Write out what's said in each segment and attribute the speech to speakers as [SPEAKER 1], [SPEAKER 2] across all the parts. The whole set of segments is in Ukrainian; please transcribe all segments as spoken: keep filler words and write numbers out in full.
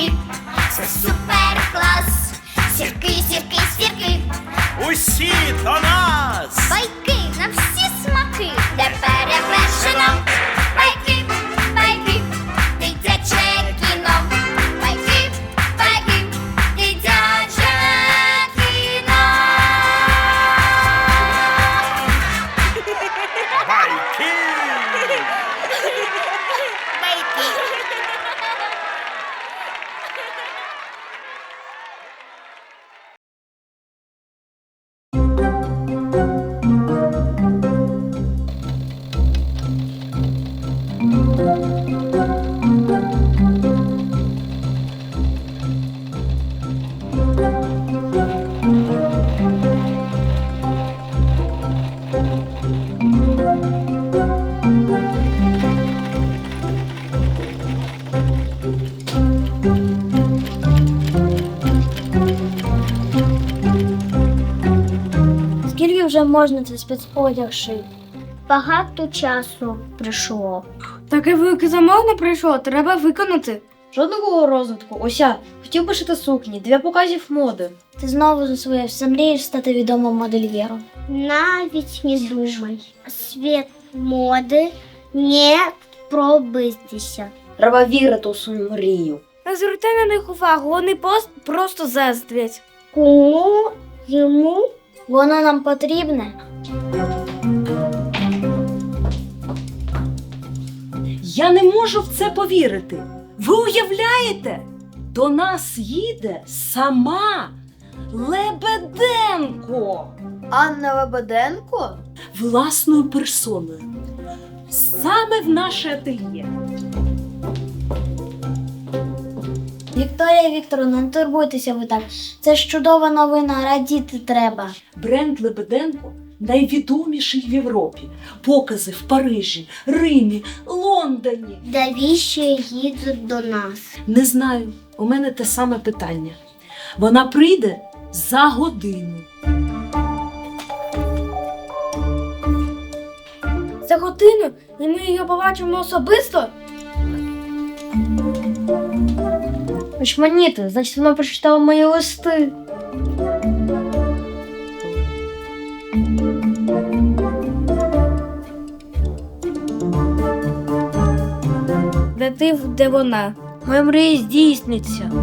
[SPEAKER 1] сірки, це супер клас. Сірки, сірки, сірки,
[SPEAKER 2] Усі до нас!
[SPEAKER 1] байки на всі смаки, де перевершено. Байки, байки, дитяче кіно. Байки, байки, дитяче кіно.
[SPEAKER 2] Байки!
[SPEAKER 3] Скільки вже можна цей спецодяг шити? Багато часу прийшло.
[SPEAKER 4] Таке велике замовлення прийшло, треба виконати.
[SPEAKER 5] Жодного розвитку. Ось я хотів би шити сукні для показів моди.
[SPEAKER 3] Ти знову засвоївся, мрієш стати відомим модельєром. Навіть не думай. Світ моди не пробитися.
[SPEAKER 5] Треба вірити у свою мрію.
[SPEAKER 4] Не звертай на них увагу, вони пост просто заздрять.
[SPEAKER 3] Кому йому воно нам потрібне?
[SPEAKER 6] Я не можу в це повірити. Ви уявляєте? До нас їде сама Лебеденко.
[SPEAKER 5] Анна Лебеденко?
[SPEAKER 6] Власною персоною. Саме в наше ательє.
[SPEAKER 3] Вікторія Вікторовна, не турбуйтеся ви так. Це ж чудова новина, радіти треба.
[SPEAKER 6] Бренд Лебеденко найвідоміший в Європі. Покази в Парижі, Римі, Лондоні.
[SPEAKER 3] Навіщо їдуть до нас?
[SPEAKER 6] Не знаю, у мене те саме питання. Вона прийде за годину.
[SPEAKER 4] За годину і ми її побачимо особисто.
[SPEAKER 5] Очманіти, значить вона прочитала мої листи.
[SPEAKER 4] Де ти, де вона?
[SPEAKER 5] Моя мрія здійсниться.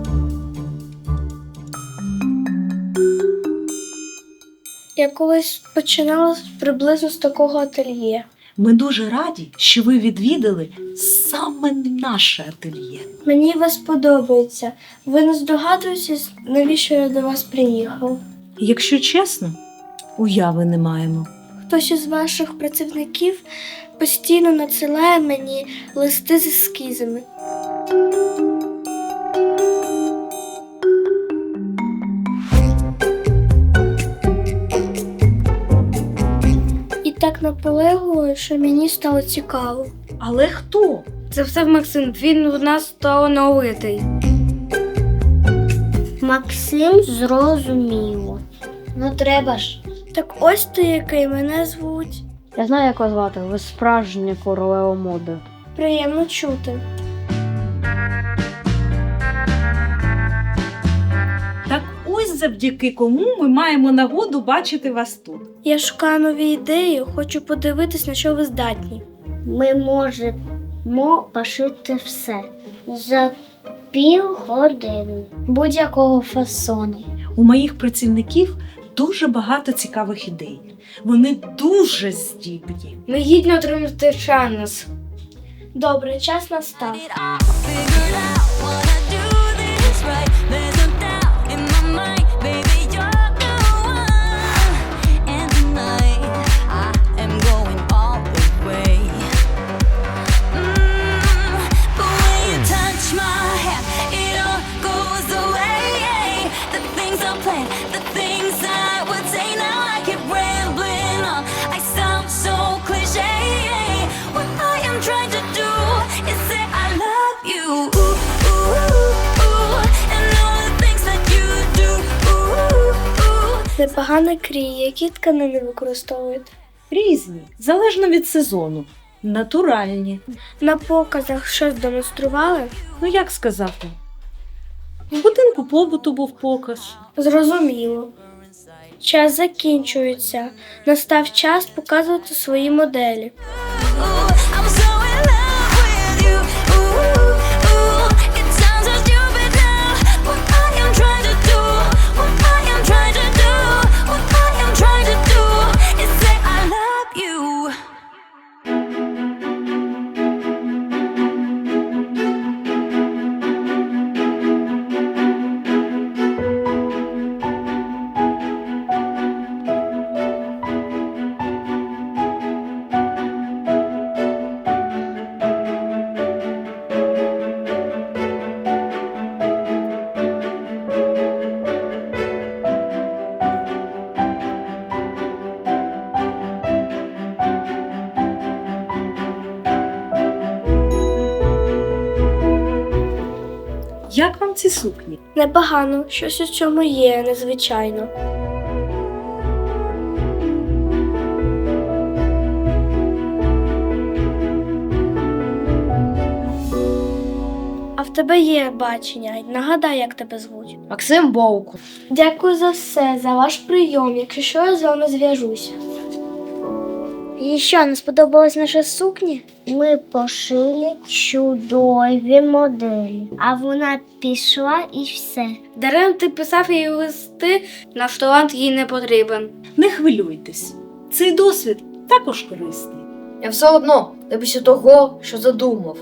[SPEAKER 4] Я колись починала приблизно з такого ательє.
[SPEAKER 6] Ми дуже раді, що ви відвідали саме наше ательє.
[SPEAKER 4] Мені вас подобається. Ви не здогадуєтесь, навіщо я до вас приїхав?
[SPEAKER 6] Якщо чесно, уяви не маємо.
[SPEAKER 4] Хтось із ваших працівників постійно надсилає мені листи з ескізами. І так наполегливо, що мені стало цікаво.
[SPEAKER 6] Але хто?
[SPEAKER 4] Це все Максим, він у нас талановитий.
[SPEAKER 3] Максим зрозуміло. Ну треба ж.
[SPEAKER 4] Так ось ти, який мене звуть.
[SPEAKER 5] Я знаю, як вас звати. Ви справжня королева моди.
[SPEAKER 4] Приємно чути.
[SPEAKER 6] Так ось завдяки кому ми маємо нагоду бачити вас тут.
[SPEAKER 4] Я шукаю нові ідеї, хочу подивитись, на що ви здатні.
[SPEAKER 3] Ми можемо пошити все за півгодини. Будь-якого фасону.
[SPEAKER 6] У моїх працівників дуже багато цікавих ідей. Вони дуже здібні.
[SPEAKER 4] Ми гідно отримати шанс. Добре, час настав.
[SPEAKER 7] The things I would say now, I keep rambling on. I sound so cliche. What I am trying to do is say I love you. Ooh, ooh, ooh, and all the things that you do. Ooh, ooh.
[SPEAKER 4] Непогано кріє, які тканини використовуєте.
[SPEAKER 6] Різні, залежно від сезону. Натуральні.
[SPEAKER 4] На показах щось демонстрували.
[SPEAKER 6] Ну як сказати? В будинку побуту був показ.
[SPEAKER 4] Зрозуміло. Час закінчується. Настав час показувати свої моделі.
[SPEAKER 7] Ooh, I'm so in love with you. Ooh, ooh, it sounds so stupid now. What I am trying to do, what I am trying to do, what I am trying to do is say I love you.
[SPEAKER 6] Як вам ці сукні?
[SPEAKER 4] Непогано, щось у цьому є незвичайно. А в тебе є бачення. Нагадай, як тебе звуть.
[SPEAKER 5] Максим Бовку.
[SPEAKER 4] Дякую за все, за ваш прийом. Якщо що, я з вами зв'яжуся.
[SPEAKER 3] І що, не сподобались наші сукні? Ми пошили чудові моделі, а вона пішла і все.
[SPEAKER 4] Дарем ти писав їй листи, наш талант їй не потрібен.
[SPEAKER 6] Не хвилюйтесь. Цей досвід також корисний.
[SPEAKER 5] Я все одно добився того, що задумав.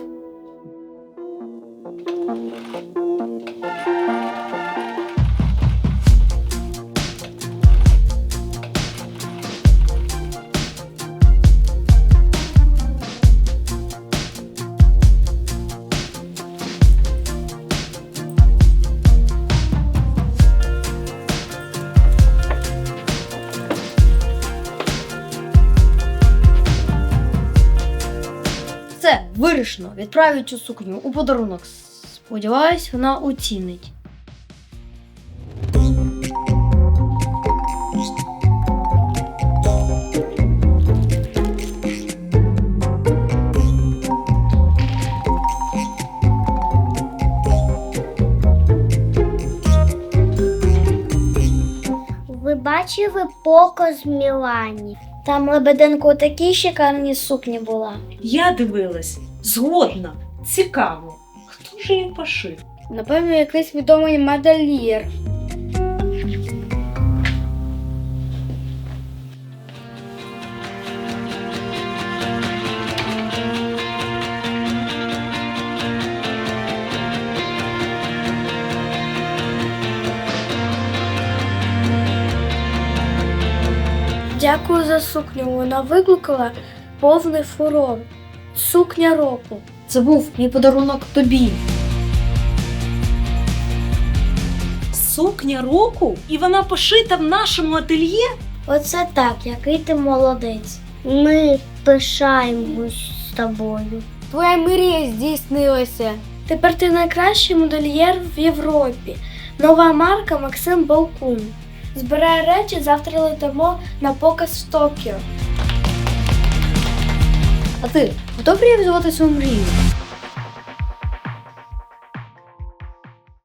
[SPEAKER 5] Все, вирішено. Відправлю цю сукню у подарунок. Сподіваюсь, вона оцінить.
[SPEAKER 3] Ви бачили показ в Мілані? Там Лебеденко такі шикарні сукні була.
[SPEAKER 6] Я дивилась. Згодна. Цікаво. Хто ж її пошив?
[SPEAKER 4] Напевно, якийсь відомий модельєр. Дякую за сукню. Вона викликала повний фурор. Сукня року.
[SPEAKER 5] Це був мій подарунок тобі.
[SPEAKER 6] Сукня року? І вона пошита в нашому ательє?
[SPEAKER 3] Оце так, який ти молодець. Ми пишаємось з тобою.
[SPEAKER 4] Твоя мрія здійснилася. Тепер ти найкращий модельєр в Європі. Нова марка Максим Балкун. Збирай речі, завтра летимо на показ в Токіо.
[SPEAKER 5] А ти готовий реалізувати свою мрію?